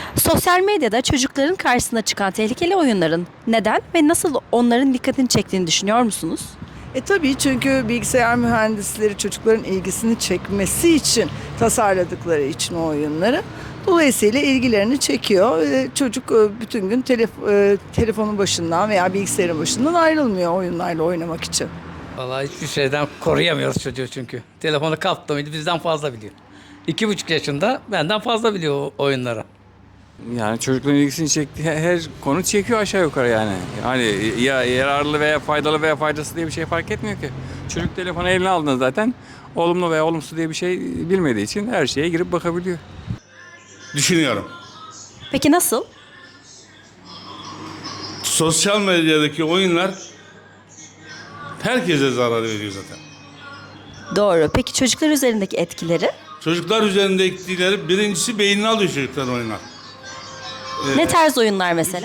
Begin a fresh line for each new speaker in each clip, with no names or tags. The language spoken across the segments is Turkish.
Sosyal medyada çocukların karşısına çıkan tehlikeli oyunların neden ve nasıl onların dikkatini çektiğini düşünüyor musunuz?
Tabii çünkü bilgisayar mühendisleri çocukların ilgisini çekmesi için tasarladıkları için o oyunları. Dolayısıyla ilgilerini çekiyor. Çocuk bütün gün telefonun başından veya bilgisayarın başından ayrılmıyor oyunlarla oynamak için.
Vallahi hiçbir şeyden koruyamıyoruz çocuğu çünkü. Telefonu kaptı mıydı bizden fazla biliyor. 2,5 yaşında benden fazla biliyor o oyunları.
Yani çocukların ilgisini çektiği her konu çekiyor aşağı yukarı yani. Hani ya yararlı veya faydalı veya faydası diye bir şey fark etmiyor ki. Çocuk telefonu eline aldığında zaten olumlu veya olumsuz diye bir şey bilmediği için her şeye girip bakabiliyor.
Düşünüyorum.
Peki nasıl?
Sosyal medyadaki oyunlar herkese zarar veriyor zaten.
Doğru. Peki çocuklar üzerindeki etkileri?
Çocuklar üzerinde etkileri birincisi beynini alıyor çocukların oyunlar.
Ne tarz oyunlar mesela?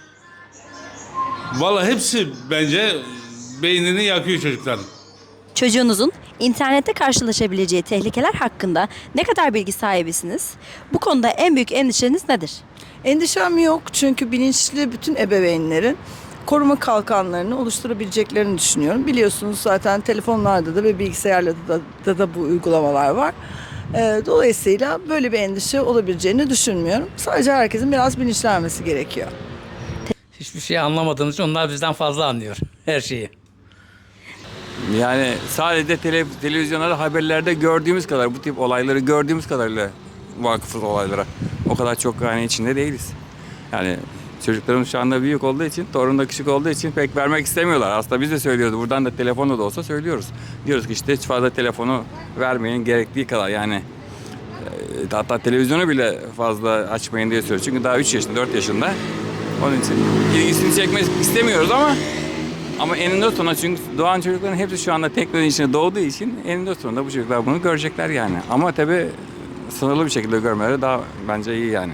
Valla hepsi bence beynini yakıyor çocukların.
Çocuğunuzun internette karşılaşabileceği tehlikeler hakkında ne kadar bilgi sahibisiniz? Bu konuda en büyük endişeniz nedir?
Endişem yok çünkü bilinçli bütün ebeveynlerin koruma kalkanlarını oluşturabileceklerini düşünüyorum. Biliyorsunuz zaten telefonlarda da ve bilgisayarlarda da bu uygulamalar var. Dolayısıyla böyle bir endişe olabileceğini düşünmüyorum. Sadece herkesin biraz bilinçlenmesi gerekiyor.
Hiçbir şey anlamadığımız için onlar bizden fazla anlıyor her şeyi.
Yani sadece televizyonlarda haberlerde gördüğümüz kadar bu tip olayları gördüğümüz kadarıyla vakıfız olaylara. O kadar çok yani içinde değiliz. Yani çocuklarımız şu anda büyük olduğu için, torun da küçük olduğu için pek vermek istemiyorlar. Aslında biz de söylüyoruz. Buradan da telefonla da olsa söylüyoruz. Diyoruz ki işte hiç fazla telefonu vermeyin gerektiği kadar yani. Hatta televizyonu bile fazla açmayın diye söylüyoruz. Çünkü daha 3 yaşında, 4 yaşında. Onun için ilgisini çekmek istemiyoruz ama eninde sonunda çünkü doğan çocukların hepsi şu anda teknoloji içinde doğduğu için eninde sonunda bu çocuklar bunu görecekler yani. Ama tabii sınırlı bir şekilde görmeleri daha bence iyi yani.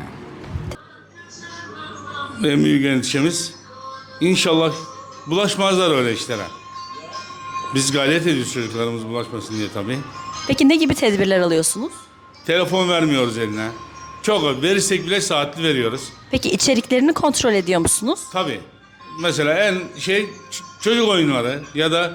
En büyük endişemiz inşallah bulaşmazlar öyle işlere. Biz gayret ediyoruz çocuklarımız bulaşmasın diye tabii.
Peki ne gibi tedbirler alıyorsunuz?
Telefon vermiyoruz eline. Çok verirsek bile saatli veriyoruz.
Peki içeriklerini kontrol ediyor musunuz?
Tabii. Mesela çocuk oyunları ya da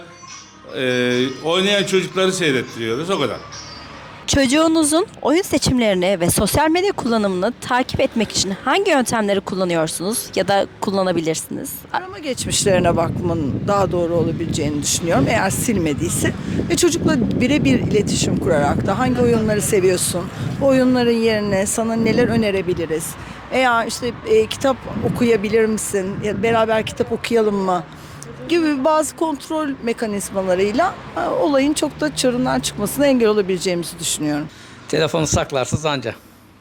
oynayan çocukları seyrettiriyoruz o kadar.
Çocuğunuzun oyun seçimlerini ve sosyal medya kullanımını takip etmek için hangi yöntemleri kullanıyorsunuz ya da kullanabilirsiniz?
Arama geçmişlerine bakmanın daha doğru olabileceğini düşünüyorum eğer silmediyse. Ve çocukla birebir iletişim kurarak da hangi oyunları seviyorsun, bu oyunların yerine sana neler önerebiliriz? Veya işte kitap okuyabilir misin, ya beraber kitap okuyalım mı? Gibi bazı kontrol mekanizmalarıyla olayın çok da çığırından çıkmasına engel olabileceğimizi düşünüyorum.
Telefonu saklarsız anca.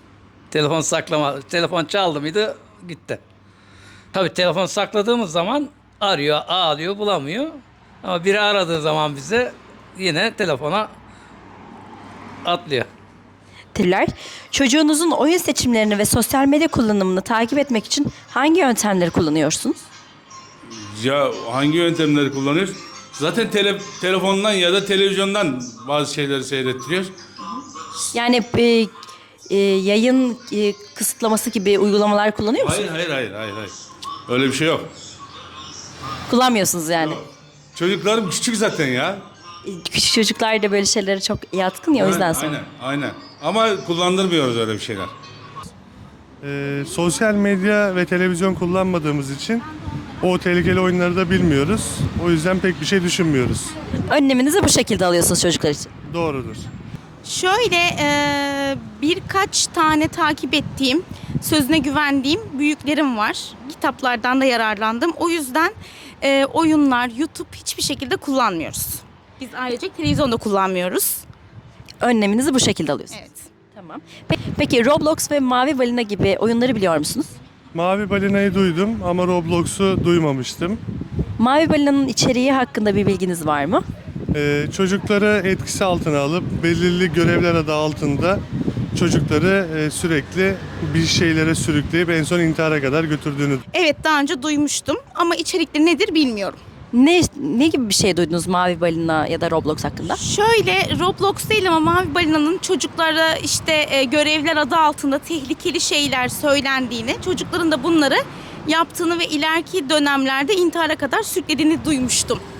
Telefon çaldı mıydı gitti. Tabii telefonu sakladığımız zaman arıyor, ağlıyor, bulamıyor. Ama biri aradığı zaman bize yine telefona atlıyor.
Teşekkürler. Çocuğunuzun oyun seçimlerini ve sosyal medya kullanımını takip etmek için hangi yöntemleri kullanıyorsunuz?
Ya hangi yöntemleri kullanıyoruz? Zaten telefondan ya da televizyondan bazı şeyleri seyrettiriyor.
Yani yayın kısıtlaması gibi uygulamalar kullanıyor musunuz?
Hayır. Öyle bir şey yok.
Kullanmıyorsunuz yani.
Çocuklarım küçük zaten ya.
Küçük çocuklar da böyle şeylere çok yatkın ya o yüzden sonra.
Aynen. Ama kullandırmıyoruz öyle bir şeyler.
Sosyal medya ve televizyon kullanmadığımız için o tehlikeli oyunları da bilmiyoruz. O yüzden pek bir şey düşünmüyoruz.
Önleminizi bu şekilde alıyorsunuz çocuklar için.
Doğrudur.
Şöyle birkaç tane takip ettiğim, sözüne güvendiğim büyüklerim var. Kitaplardan da yararlandım. O yüzden oyunlar, YouTube hiçbir şekilde kullanmıyoruz. Biz ayrıca televizyonda kullanmıyoruz.
Önleminizi bu şekilde alıyorsunuz.
Evet.
Tamam. Peki Roblox ve Mavi Balina gibi oyunları biliyor musunuz?
Mavi Balina'yı duydum ama Roblox'u duymamıştım.
Mavi Balina'nın içeriği hakkında bir bilginiz var mı?
Çocukları etkisi altına alıp belirli görevler adı altında çocukları sürekli bir şeylere sürükleyip en son intihara kadar götürdüğünü.
Evet, daha önce duymuştum ama içerikleri nedir bilmiyorum.
Ne gibi bir şey duydunuz Mavi Balina ya da Roblox hakkında?
Şöyle, Roblox değil ama Mavi Balina'nın çocuklara işte görevler adı altında tehlikeli şeyler söylendiğini, çocukların da bunları yaptığını ve ileriki dönemlerde intihara kadar sürüklediğini duymuştum.